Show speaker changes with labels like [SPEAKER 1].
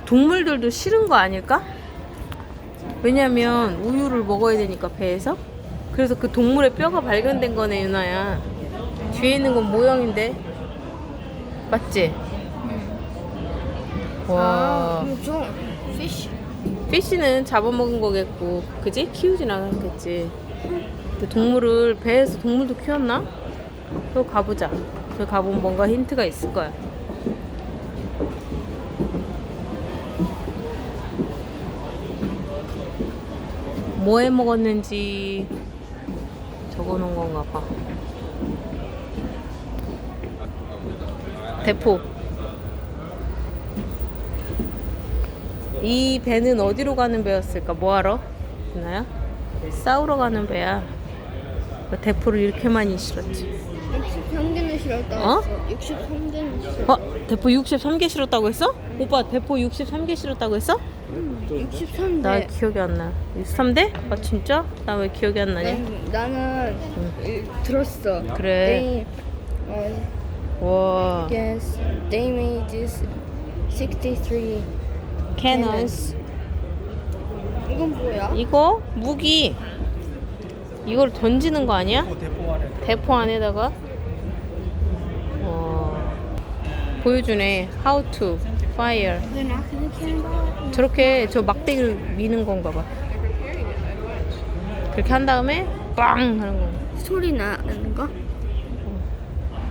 [SPEAKER 1] 동물들도 싫은 거 아닐까? 왜냐면 우유를 먹어야 되니까 배에서. 그래서 그 동물의 뼈가 발견된 거네, 유나야. 뒤에 있는 건 모형인데. 맞지? 와.
[SPEAKER 2] 이거 피쉬.
[SPEAKER 1] 피쉬는 잡아먹은 거겠고, 그지? 키우진 않았겠지. 근데 동물을 배에서 동물도 키웠나? 또 가보자. 저 가보면 뭔가 힌트가 있을 거야. 뭐 해 먹었는지 적어놓은 건가 봐. 대포. 이 배는 어디로 가는 배였을까? 뭐하러? 있나요? 싸우러 가는 배야. 대포를 이렇게 많이 실었지.
[SPEAKER 2] 63개는 실었다고
[SPEAKER 1] 어?
[SPEAKER 2] 했어. 63개는 실었다.
[SPEAKER 1] 대포 63개 실었다고 했어? 오빠 대포 63개 실었다고 했어?
[SPEAKER 2] 63대.
[SPEAKER 1] 나 기억이 안 나. 63대? 아 진짜? 나 왜 기억이 안 나냐?
[SPEAKER 2] 나는 들었어.
[SPEAKER 1] 그래. 와.
[SPEAKER 2] Yes, they made this 63
[SPEAKER 1] cannons.
[SPEAKER 2] 이건 뭐야?
[SPEAKER 1] 이거 무기. 이걸 던지는 거 아니야? 대포 안에다가. 보여주네. How to fire.
[SPEAKER 2] They're not gonna cannonball.
[SPEAKER 1] 저렇게 저 막대기를 미는 건가 봐. 그렇게 한 다음에 빵 하는 거.
[SPEAKER 2] 소리 나는 거?